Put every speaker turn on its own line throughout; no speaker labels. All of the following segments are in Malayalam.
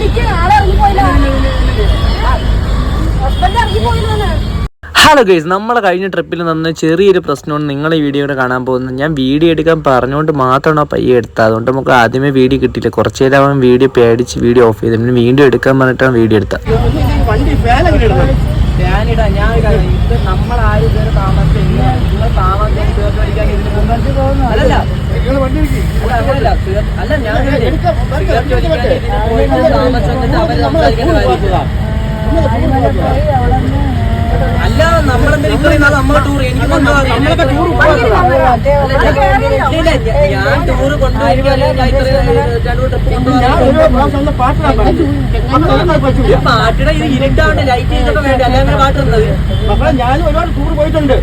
ഹലോ ഗൈസ്, നമ്മളെ കഴിഞ്ഞ ട്രിപ്പിൽ നിന്ന് ചെറിയൊരു പ്രശ്നമാണ് നിങ്ങളെ വീഡിയോയുടെ കാണാൻ പോകുന്നത്. ഞാൻ വീഡിയോ എടുക്കാൻ പറഞ്ഞുകൊണ്ട് മാത്രമാണ് പയ്യെ എടുത്തത്. അതുകൊണ്ട് നമുക്ക് ആദ്യമേ വീഡിയോ കിട്ടിയില്ല. കുറച്ച് നേരം അവൻ വീഡിയോ പേടിച്ച് വീഡിയോ ഓഫ് ചെയ്തു. പിന്നെ വീഡിയോ എടുക്കാൻ പറഞ്ഞിട്ടാണ് വീഡിയോ എടുത്തത്.
അല്ല നമ്മളെന്താ നമ്മളെ ടൂർ എനിക്ക് ഞാൻ ടൂറ് കൊണ്ടുപോയി പാട്ടിടെ ഇത് ഇരുട്ടാണ്ട് ലൈറ്റ് ചെയ്തൊക്കെ വേണ്ട അല്ലെങ്കിൽ പാട്ട് വന്നത് മക്കളെ ഞാൻ ഒരുപാട് ടൂർ പോയിട്ടുണ്ട്.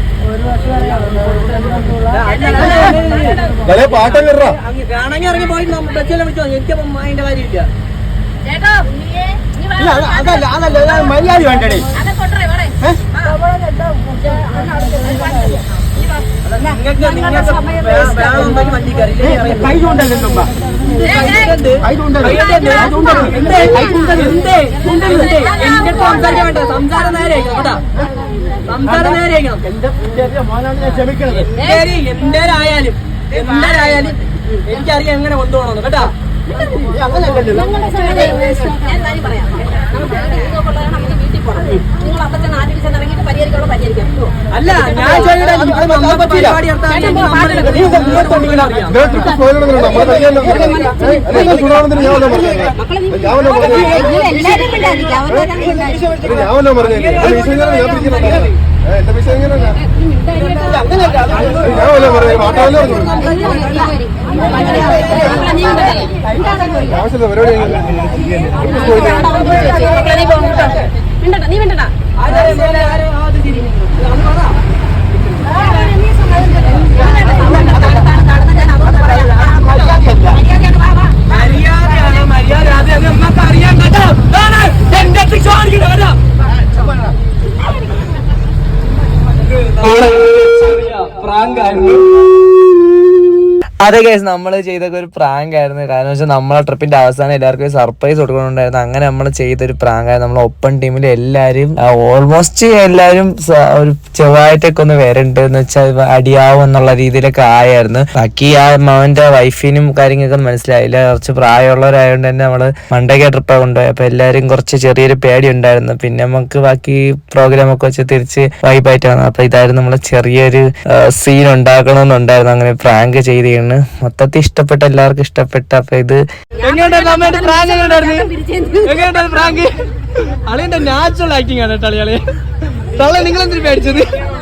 വേണമെങ്കിൽ ഇറങ്ങി പോയിട്ട് ബസ്സിലെ വിളിച്ചോ. എനിക്കപ്പം അതിന്റെ കാര്യമില്ല. അതല്ല മര്യാദ വേണ്ടേ സംസാരം നേരെയാക്കണം കേട്ടാ. സംസാരം നേരെയാക്കണം. എന്തായാലും എനിക്കറിയാം എങ്ങനെ കൊണ്ടുപോകണമെന്ന് കേട്ടാ. അല്ല ഞാൻ
അതെ ഗൈസ്, നമ്മൾ ചെയ്തൊക്കെ ഒരു പ്രാങ്ക് ആയിരുന്നു. കാരണം വെച്ചാൽ നമ്മളെ ട്രിപ്പിന്റെ അവസാനം എല്ലാവർക്കും സർപ്രൈസ് കൊടുക്കണുണ്ടായിരുന്നു. അങ്ങനെ നമ്മൾ ചെയ്തൊരു പ്രാങ്ക് ആയിരുന്നു. നമ്മളെ ഒപ്പൻ ടീമിൽ എല്ലാവരും ഓൾമോസ്റ്റ് എല്ലാവരും ഒരു ചെറുതായിട്ടൊക്കെ ഒന്ന് വരണ്ട് എന്ന് വെച്ചാൽ അടിയാവും എന്നുള്ള രീതിയിലൊക്കെ ആയായിരുന്നു. ബാക്കി ആ അവന്റെ വൈഫിനും കാര്യങ്ങളൊക്കെ മനസ്സിലായില്ല. കുറച്ച് പ്രായമുള്ളവരായതുകൊണ്ട് തന്നെ നമ്മള് മണ്ടയ്ക്ക ട്രിപ്പാണ് കൊണ്ടുപോയി. അപ്പൊ എല്ലാവരും കുറച്ച് ചെറിയൊരു പേടി ഉണ്ടായിരുന്നു. പിന്നെ നമുക്ക് ബാക്കി പ്രോഗ്രാം ഒക്കെ വെച്ച് തിരിച്ച് വൈബായിട്ട് വന്നു. അപ്പൊ ഇതായിരുന്നു നമ്മള് ചെറിയൊരു സീൻ ഉണ്ടാക്കണമെന്നുണ്ടായിരുന്നു. അങ്ങനെ പ്രാങ്ക് ചെയ്ത് മൊത്തത്തിൽ ഇഷ്ടപ്പെട്ട, എല്ലാവർക്കും ഇഷ്ടപ്പെട്ട. അപ്പൊ ഇത്
അളിയന്റെ നാച്ചുറൽ ആക്ടിങ് ആണ് കേട്ടോ. അളിയാളെ തള്ളെ നിങ്ങൾ എന്തിനു പേടിച്ചത്?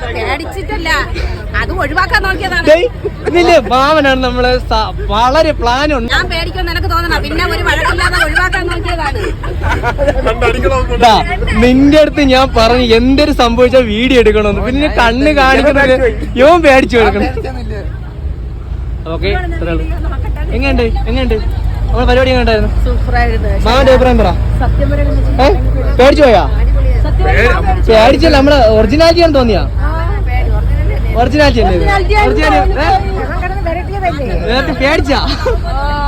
അത് ഒഴിവാക്കാൻ നോക്കിയതാണ്.
ഇതില്ലേ ഭാവനാണ് നമ്മള് വളരെ പ്ലാൻ ഉണ്ട്.
ഞാൻ പേടിക്കുമെന്ന് എനിക്ക് തോന്നണം. പിന്നെ ഒരു വഴക്കില്ലാതെ ഒഴിവാക്കാൻ നോക്കിയതാണ്.
നിന്റെ അടുത്ത് ഞാൻ പറഞ്ഞു എന്തൊരു സംഭവിച്ചാൽ വീഡിയോ എടുക്കണമെന്ന്. പിന്നെ കണ്ണ് കാണിക്കുന്നത് യോൻ പേടിച്ചു കൊടുക്കണം. ഓക്കെ, എങ്ങനെയുണ്ട് നമ്മളെ പരിപാടി എങ്ങനെയുണ്ടായിരുന്നു? മാമന്റെ അഭിപ്രായം പറ. പേടിച്ചു പോയാ? പേടിച്ചല്ല, നമ്മളെ ഒറിജിനാലിറ്റി ആണ് തോന്നിയാ? ഒറിജിനാലിറ്റി അല്ലേ? പേടിച്ചാ?